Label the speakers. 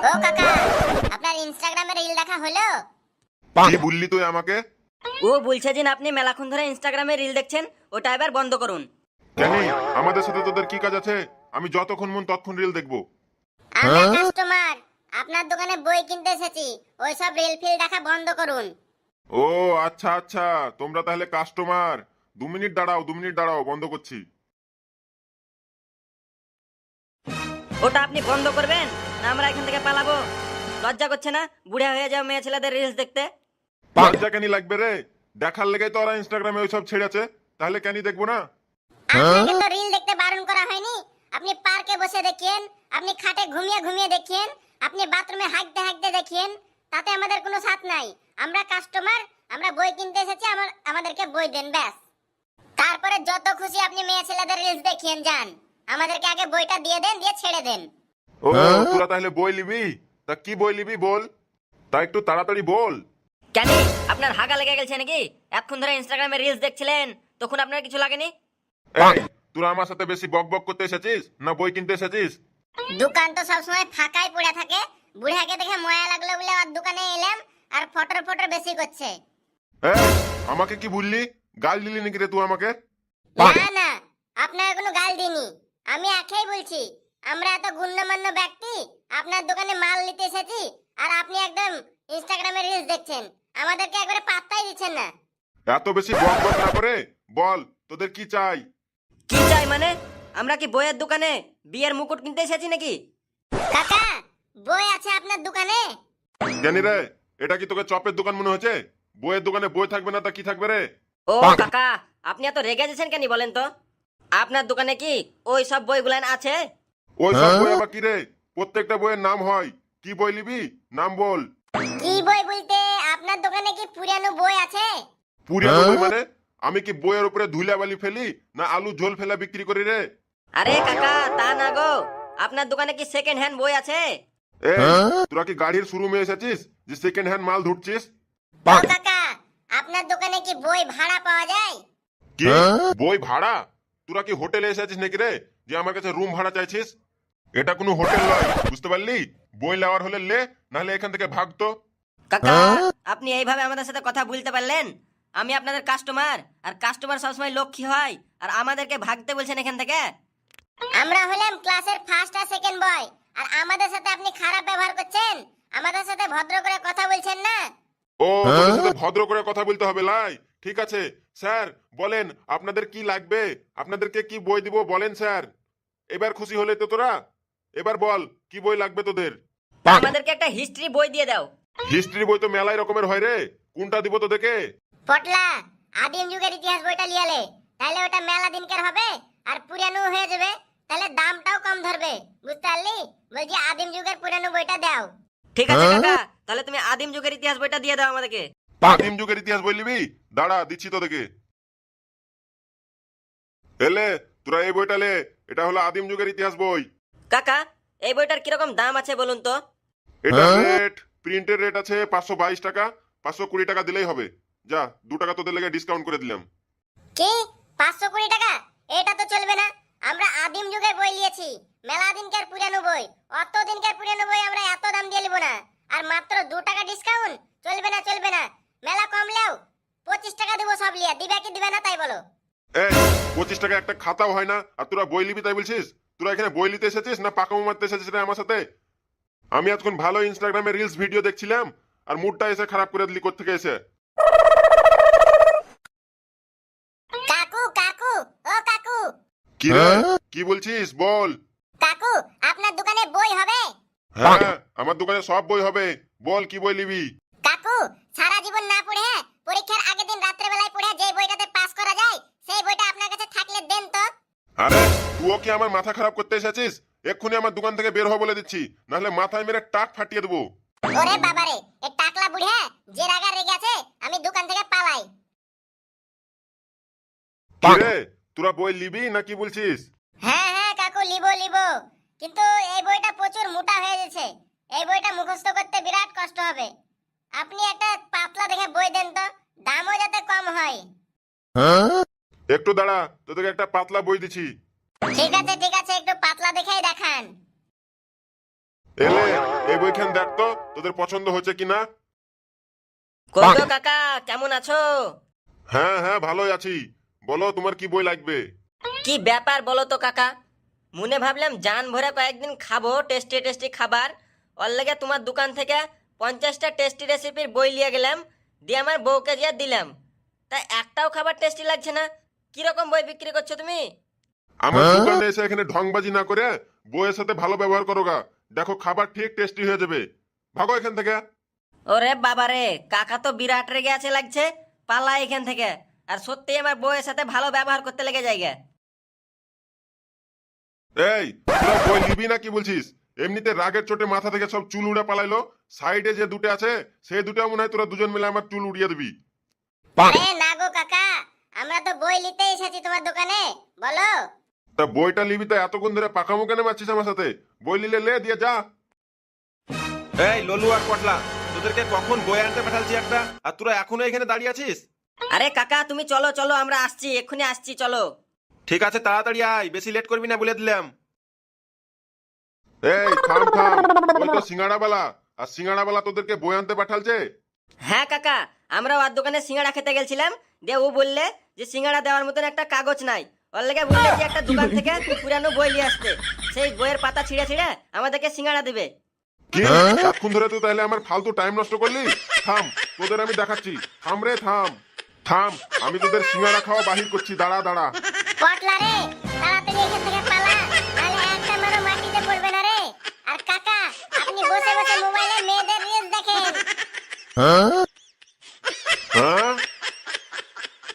Speaker 1: ও কাকা, আপনার ইনস্টাগ্রামে রিল দেখা হলো?
Speaker 2: কি বললি তুই আমাকে?
Speaker 3: ও বলছে যে আপনি মেলাক্ষণ ধরে ইনস্টাগ্রামে রিল দেখছেন, ওটা এবার বন্ধ করুন।
Speaker 2: কেন? আমাদের সাথে তোদের কি কাজ আছে? আমি যতক্ষণ মন ততক্ষণ রিল দেখবো।
Speaker 1: আমরা কাস্টমার, আপনার দোকানে বই কিনতে এসেছি, ওই সব রিল ফিল দেখা বন্ধ করুন।
Speaker 2: ও আচ্ছা আচ্ছা, তোমরা তাহলে কাস্টমার। 2 মিনিট দাঁড়াও, 2 মিনিট দাঁড়াও, বন্ধ করছি।
Speaker 3: ওটা আপনি বন্ধ করবেন না আমরা এখান থেকে পালাবো? লজ্জা করছে না বুড়া হয়ে যাও মেয়ে ছেলেদের রিলস দেখতে?
Speaker 2: লজ্জা কেন লাগবে রে? দেখার লেগে তো ওরা ইনস্টাগ্রামে ওইসব ছেড়েছে, তাহলে কেন দেখবো না?
Speaker 1: আপনাকে তো রিল দেখতে বারণ করা হয়নি। আপনি পার্কে বসে দেখেন, আপনি খাটে ঘুমিয়ে ঘুমিয়ে দেখেন, আপনি বাথরুমে হাঁকতে হাঁকতে দেখেন, তাতে আমাদের কোনো সাথ নাই। আমরা কাস্টমার, আমরা বই কিনতে এসেছি, আমাদেরকে বই দেন ব্যাস। তারপরে যত খুশি আপনি মেয়ে ছেলেদের রিলস দেখিয়েন যান, আমাদেরকে আগে বইটা দিয়ে দেন, দিয়ে ছেড়ে দেন।
Speaker 2: ও তোরা তাহলে বই লিবি? তা কি বই লিবি বল, তা একটু তাড়াতাড়ি বল।
Speaker 3: কেন আপনার হাগা লেগে গেছে নাকি? এতক্ষণ ধরে ইনস্টাগ্রামে রিলস দেখছিলেন, তখন আপনার কিছু লাগেনি?
Speaker 2: এই তোরা আমার সাথে বেশি বক বক করতে এসেছিস না বই কিনতে এসেছিস?
Speaker 1: দোকান তো সবসময় ফাঁকাই পড়ে থাকে, বুড়াকে দেখে ময়া লাগলো বলে আর দোকানে এলাম, আর ফটর ফটর বেশি করছে।
Speaker 2: এই আমাকে কি বললি? গাল দিলি নাকি রে তুই আমাকে?
Speaker 1: না না, আপনার কোনো গাল দিইনি, আমি একাই বলছি। আমরা এত গুণ্যমান্য ব্যক্তি, আপনার দোকানে মাল নিতে এসেছি, আর আপনি একদম ইনস্টাগ্রামে রিলস দেখছেন, আমাদেরকে একবারে পাত্তাই দিচ্ছেন না।
Speaker 2: এত বেশি বক বক না করে বল তোদের কি চাই?
Speaker 3: কি চাই মানে? আমরা কি বইয়ের দোকানে বিয়ের মুকুট কিনতে এসেছি নাকি?
Speaker 1: কাকা, বই আছে আপনার দোকানে?
Speaker 2: জানি রে, এটা কি তোকে চপের দোকান মনে হচ্ছে? বইয়ের দোকানে বই থাকবে না তা কি থাকবে রে?
Speaker 3: ও কাকা, আপনি এত রেগে যাচ্ছেন কেন বলেন তো? আপনার দোকানে কি ওই সব বইগুলান আছে?
Speaker 2: ওই সব বই আবার কি রে? প্রত্যেকটা বইয়ের নাম হয়। কি বই নিবি নাম বল।
Speaker 1: কি বই বলতে, আপনার দোকানে কি পুরানো বই আছে?
Speaker 2: পুরানো বই মানে? আমি কি বইয়ের উপরে ধুলাবালি ফেলি না আলু ঝোল ফেলা বিক্রি করি রে?
Speaker 3: আরে কাকা তা না গো, আপনার দোকানে কি সেকেন্ড হ্যান্ড বই আছে?
Speaker 2: এ তোরা কি গাড়ির শোরুমে এসেছিস যে সেকেন্ড হ্যান্ড মাল ধুচ্ছিস?
Speaker 1: ও কাকা, আপনার দোকানে কি বই ভাড়া পাওয়া যায়?
Speaker 2: কি বই ভাড়া? তোরা কি হোটেলে এসেছিস নাকি রে যে আমার কাছে রুম ভাড়া চাইছিস? এটা কোনো হোটেল নয়, বুঝতে পারলি? বই নেওয়ার হলে লে, নাহলে এখান থেকে ভাগতো।
Speaker 3: কাকা আপনি এইভাবে আমাদের সাথে কথা বলতে পারলেন? আমি আপনাদের কাস্টমার, আর কাস্টমার সবসময় লক্ষ্মী হয়, আর আমাদেরকে ভাগতে বলছেন এখান থেকে?
Speaker 1: আমরা হলাম ক্লাসের ফার্স্ট আর সেকেন্ড বয়, আর আমাদের সাথে আপনি খারাপ ব্যবহার করছেন, আমাদের সাথে ভদ্র করে কথা বলছেন না।
Speaker 2: ও তোদের সাথে ভদ্র করে কথা বলতে হবে লাই? ঠিক আছে স্যার, বলেন আপনাদের কি লাগবে, আপনাদেরকে কি বই দিব বলেন স্যার। এবার খুশি হলে তো তোরা? এবার বল কি বই লাগবে তোদের?
Speaker 3: আমাদেরকে একটা হিস্ট্রি বই দিয়ে দাও।
Speaker 2: হিস্ট্রি বই তো মেলাই রকমের হয় রে, কোনটা দিব তোদেরকে?
Speaker 1: পটলা, আদিম যুগের ইতিহাস বইটা লিয়ালে, তাহলে ওটা মেলা দিনকার হবে আর পুরানো হয়ে যাবে, তাহলে দামটাও কম ধরবে, বুঝতে পারলি? বলছি আদিম যুগের পুরানো বইটা দাও।
Speaker 3: ঠিক আছে কাকা, তাহলে তুমি আদিম যুগের ইতিহাস বইটা দিয়ে দাও আমাদেরকে।
Speaker 2: আদিম যুগের ইতিহাস বই নিবি? দাঁড়া দিচ্ছি তোদেরকে। এলে তোরা এই বইটা লে, এটা হলো আদিম যুগের ইতিহাস বই।
Speaker 3: কাকা এই বইটার কিরকম দাম আছে বলুন তো?
Speaker 2: এটা রেট, প্রিন্টের রেট আছে 522 টাকা, 520 টাকা দিলেই হবে। যা 2 টাকা তোদের লেগে ডিসকাউন্ট করে দিলাম।
Speaker 1: কি 520 টাকা? এটা তো চলবে না, আমরা আদিম যুগের বই নিয়েছি, মেলা দিনকার পুরানো বই, অত দিনকার পুরানো বই আমরা এত দাম দিয়ে নিব না। আর মাত্র 2 টাকা ডিসকাউন্ট? চলবে না চলবে না, মেলা কমলেও 25 টাকা দেবো সব লিয়া, দিবে কি দিবে না তাই বলো।
Speaker 2: এই 25 টাকা একটা খাতাও হয় না, আর তোরা বই লিবি তাই বলছিস? তোরা এখানে বই নিতে এসেছিস না পাকামো মারতে এসেছিস রে আমার সাথে? আমি এতক্ষণ ভালো ইনস্টাগ্রামে রিলস ভিডিও দেখছিলাম, আর মুডটা এসে খারাপ করে দিলি কোত্থেকে এসে।
Speaker 1: কাকু কাকু, ও কাকু।
Speaker 2: কি রে কি বলছিস বল।
Speaker 1: কাকু, আপনার দোকানে বই হবে?
Speaker 2: হ্যাঁ আমার দোকানে সব বই হবে, বল কি বই নিবি?
Speaker 1: কাকু, সারা জীবন না পড়ে পরীক্ষার আগের দিন রাত্রে বেলায় পড়ে যে বইটাতে পাস করা যায়, সেই বইটা আপনার কাছে থাকলে দেন তো।
Speaker 2: আরে তুইও কি আমার মাথা খারাপ করতে এসেছিস? এক্ষুনি আমার দোকান থেকে বের হ বলে দিচ্ছি, নাহলে মাথায় মেরে টাক ফাটিয়ে দেবো।
Speaker 1: ওরে বাবারে, এই টাকলা বুড়া যে রাগা রেগে আছে, আমি দোকান থেকে পালাই।
Speaker 2: কি রে তোরা বই লিবি না কি বলছিস?
Speaker 1: হ্যাঁ হ্যাঁ কাকু, লিবো লিবো, কিন্তু এই বইটা প্রচুর মোটা হয়ে গেছে, এই বইটা মুখস্থ করতে বিরাট কষ্ট হবে। আপনি একটা পাতলা দেখে বই দেন তো, দামও যাতে কম হয়।
Speaker 2: একটু দাঁড়া, তোদেরকে একটা পাতলা বই দিচ্ছি।
Speaker 1: ঠিক আছে ঠিক আছে, একটু পাতলা দেখেই দেখান।
Speaker 2: এলে এই এই বইখান দেখ তো তোদের পছন্দ হচ্ছে কিনা।
Speaker 3: কই গো কাকা, কেমন আছো?
Speaker 2: হ্যাঁ হ্যাঁ ভালোই আছি, বলো তোমার কি বই লাগবে।
Speaker 3: কি ব্যাপার বলো তো কাকা? মনে ভাবলাম জান ভরে কয়েকদিন খাবো টেস্টি টেস্টি খাবার, ওর লেগে তোমার দোকান থেকে 50টা টেস্টি রেসিপির বই নিয়ে গেলাম, দিয়ে আমার বউকে দিয়ে দিলাম। তা একটাও খাবার টেস্টি লাগছে না। কিরকম বই বিক্রি করছো তুমি?
Speaker 2: আমার দোকানে এসে এখানে ঢংবাজি না করে বইয়ের সাথে ভালো ব্যবহার করো গা, দেখো খাবার ঠিক টেস্টি হয়ে যাবে। ভাগো এখান থেকে।
Speaker 3: ওরে বাবারে, কাকা তো বিরাট রেগে আছে লাগছে, পালা এখান থেকে। আর সত্যি আমার বউয়ের সাথে ভালো ব্যবহার করতে লেগে জায়গা।
Speaker 2: এই তোরা বই নিবি না কি বলছিস? এমনিতে রাগের চোটে মাথা থেকে সব চুল উড়ে পালাইলো, সাইডে যে দুটো আছে সেই দুটো মনে হয় তোরা দুজন মিলে আমার চুল উড়িয়ে দিবি।
Speaker 1: আরে না গো কাকা, আমরা তো বই নিতে এসেছি তোমার দোকানে, বলো।
Speaker 2: তা বইটা নিবি তো এতক্ষণ ধরে পাকামো কেন মারছিস আমার সাথে? বই নিলে লে দিয়ে যা।
Speaker 4: এই ললু আর পটলা, তোদেরকে কখন বই আনতে পাঠালছি একটা, আর তোরা এখনো এখানে দাঁড়িয়ে আছিস?
Speaker 3: আরে কাকা তুমি চলো চলো, আমরা আসছি, এক্ষুনি আসছি, চলো।
Speaker 4: ঠিক আছে তাড়াতাড়ি আয়, বেশি লেট করবি না বলে দিলাম।
Speaker 2: এই থাম থাম, ওই তো সিঙ্গাড়াওয়ালা, আর সিঙ্গাড়াওয়ালা তোদেরকে বই আনতে পাঠালছে।
Speaker 3: হ্যাঁ কাকা, আমরা ওর দোকানে সিঙ্গাড়া খেতে গেছিলাম, দিয়ে ও বললে যে সিঙ্গাড়া দেওয়ার মতন একটা কাগজ নাই, ওর লেগে বললে যে একটা দোকান থেকে পুরানো বই নিয়ে আসতে, সেই বইয়ের পাতা ছিঁড়ে ছিঁড়ে আমাদেরকে সিঙ্গাড়া দিবে।
Speaker 2: কি এতক্ষণ ধরে তুই তাহলে আমার ফালতু টাইম নষ্ট করলি? থাম, তোদের আমি দেখাচ্ছি। থাম রে থাম থাম, আমি তোদের সিঙ্গাড়া খাওয়া বাহির করছি, দাঁড়া দাঁড়া।
Speaker 1: পটলা রে, তাড়াতাড়ি এখান থেকে পালা, নাহলে একটা মারো মাটিতে পড়বে না রে। আর কাকা, আপনি বসে বসে মোবাইলে মেয়েদের রিলস দেখেন।